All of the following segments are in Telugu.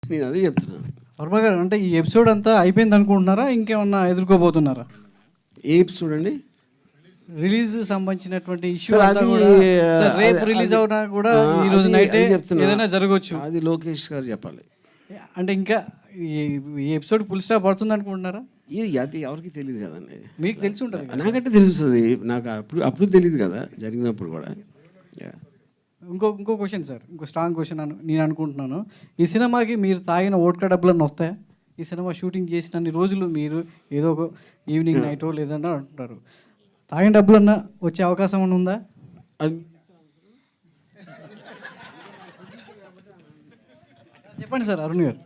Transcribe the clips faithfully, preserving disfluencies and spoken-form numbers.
నేను అదే చెప్తున్నాను. వర్మ గారు, అంటే ఈ ఎపిసోడ్ అంతా అయిపోయింది అనుకుంటున్నారా, ఇంకేమన్నా ఎదుర్కోబోతున్నారా? ఏ ఎపిసోడ్ అండి? రిలీజ్ సంబంధించినటువంటి ఇష్యూ సార్ అంతా అది కూడా సార్ రేపు అది- రిలీజ్ అది- అవునా కూడా ఆ, ఈ రోజు అది- నైటే అది చెప్తున్నా. ఏదైనా జరగవచ్చు. అది లోకేష్ గారు చెప్పాలి. అంటే ఇంకా ఈ- ఈ ఎపిసోడ్ ఫుల్ స్టాప్ పడుతుంది అనుకుంటున్నారా? ఇది అది ఎవరికి తెలియదు కదండి. మీకు తెలిసి ఉంటుంది కదా. నాకంటే తెలుస్తుంది, నాకు అప్పుడు అప్పుడు తెలియదు కదా జరిగినప్పుడు కూడా. Yeah. ఇంకో ఇంకో క్వశ్చన్ సార్, ఇంకో స్ట్రాంగ్ క్వశ్చన్ అని నేను అనుకుంటున్నాను. ఈ సినిమాకి మీరు తాగిన ఓట్కా డబ్బులన్నీ వస్తాయా? ఈ సినిమా షూటింగ్ చేసినన్ని రోజులు మీరు ఏదో ఒక ఈవినింగ్ నైటో లేదన్నా అంటున్నారు, తాగిన డబ్బులన్నా వచ్చే అవకాశం ఏమైనా ఉందా? అది చెప్పండి సార్ అరుణ్ గారు.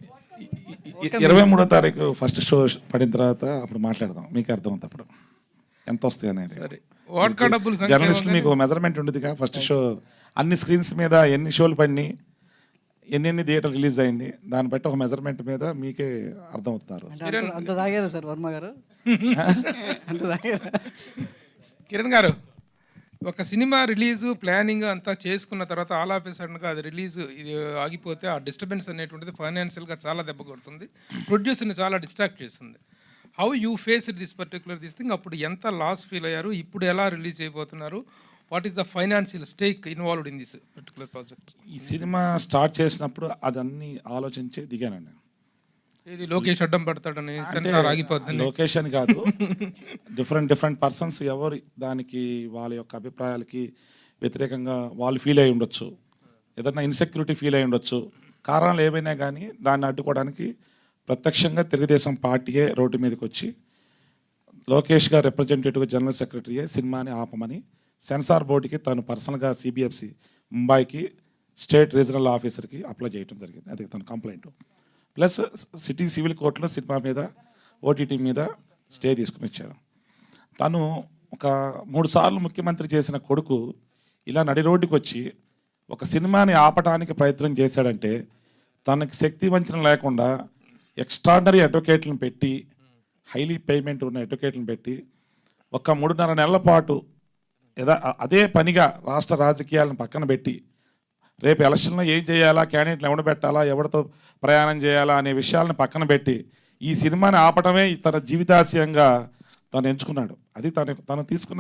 ఇరవై మూడో తారీఖు ఫస్ట్ షో పడిన తర్వాత అప్పుడు మాట్లాడదాం, మీకు అర్థమవుతుంది అప్పుడు ఎంత వస్తాయి అనేది. వాట్కా డబ్బులు జర్నలిస్ట్ మీకు మెజర్మెంట్ ఉండేదిగా ఫస్ట్ షో అన్ని స్క్రీన్స్ మీద ఎన్ని షోలు పడినాయి, ఎన్ని ఎన్ని థియేటర్ రిలీజ్ అయింది, దాన్ని బట్టి ఒక మెజర్మెంట్ మీద మీకే అర్థమవుతారు. అంటే అంత- అంత తాగారా సార్ వర్మ గారు? అంత తాగారా? కిరణ్ గారు, ఒక సినిమా రిలీజు ప్లానింగ్ అంతా చేసుకున్న తర్వాత ఆల్ ఆఫ్ సడన్గా అది రిలీజ్ ఇది ఆగిపోతే ఆ డిస్టర్బెన్స్ అనేటువంటిది ఫైనాన్షియల్గా చాలా దెబ్బ కొడుతుంది, ప్రొడ్యూసర్ని చాలా డిస్ట్రాక్ట్ చేస్తుంది. How you face this particular this thing? అప్పుడు ఎంత లాస్ ఫీల్ అయ్యారు, ఇప్పుడు ఎలా రిలీజ్ అయిపోతున్నారు, what is the financial stake involved in this particular project? ఈ సినిమా స్టార్ట్ చేసినప్పుడు అదన్నీ ఆలోచించే దిగానండి. ఇది లోకేష్ అడ్డం పడతాడని అంటే సెన్సార్ ఆగిపోతుంది. లొకేషన్ కాదు, డిఫరెంట్ డిఫరెంట్ పర్సన్స్ ఎవరి దానికి వాళ్ళ యొక్క అభిప్రాయాలకి వ్యతిరేకంగా వాళ్ళు ఫీల్ అయి ఉండొచ్చు, ఏదైనా ఇన్సెక్యూరిటీ ఫీల్ అయి ఉండొచ్చు, కారణాలు ఏమైనా కానీ దాన్ని అడ్డుకోవడానికి ప్రత్యక్షంగా తెలుగుదేశం పార్టీయే రోడ్డు మీదకి వచ్చి లోకేష్ గారు రిప్రజెంటేటివ్ జనరల్ సెక్రటరీయే సినిమాని ఆపమని సెన్సార్ బోర్డుకి తను పర్సనల్గా సిబిఎఫ్సి ముంబైకి స్టేట్ రీజనల్ ఆఫీసర్కి అప్లై చేయడం జరిగింది. అది తన కంప్లైంట్. ప్లస్ సిటీ సివిల్ కోర్టులో సినిమా మీద ఓటీటీ మీద స్టే తీసుకుని వచ్చారు. తను ఒక మూడు సార్లు ముఖ్యమంత్రి చేసిన కొడుకు ఇలా నడి రోడ్డుకి వచ్చి ఒక సినిమాని ఆపడానికి ప్రయత్నం చేశాడంటే తనకి శక్తి వంచన లేకుండా ఎక్స్ట్రాడనరీ అడ్వకేట్లను పెట్టి, హైలీ పేమెంట్ ఉన్న అడ్వకేట్లను పెట్టి ఒక మూడున్నర నెలల పాటు యథా అదే పనిగా రాష్ట్ర రాజకీయాలను పక్కన పెట్టి రేపు ఎలక్షన్లో ఏం చేయాలా, క్యాండిడేట్లు ఎవడ పెట్టాలా, ఎవరితో ప్రయాణం చేయాలా అనే విషయాలను పక్కన పెట్టి ఈ సినిమాని ఆపటమే తన జీవితాశయంగా తను ఎంచుకున్నాడు. అది తను తను తీసుకున్న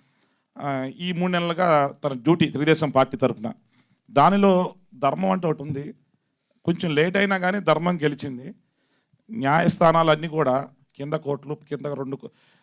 ఈ మూడు నెలలుగా తన డ్యూటీ తెలుగుదేశం పార్టీ తరఫున. దానిలో ధర్మం అంటే ఒకటి ఉంది, కొంచెం లేట్ అయినా కానీ ధర్మం గెలిచింది. న్యాయస్థానాలన్నీ కూడా కింద కోర్టులు కింద రెండు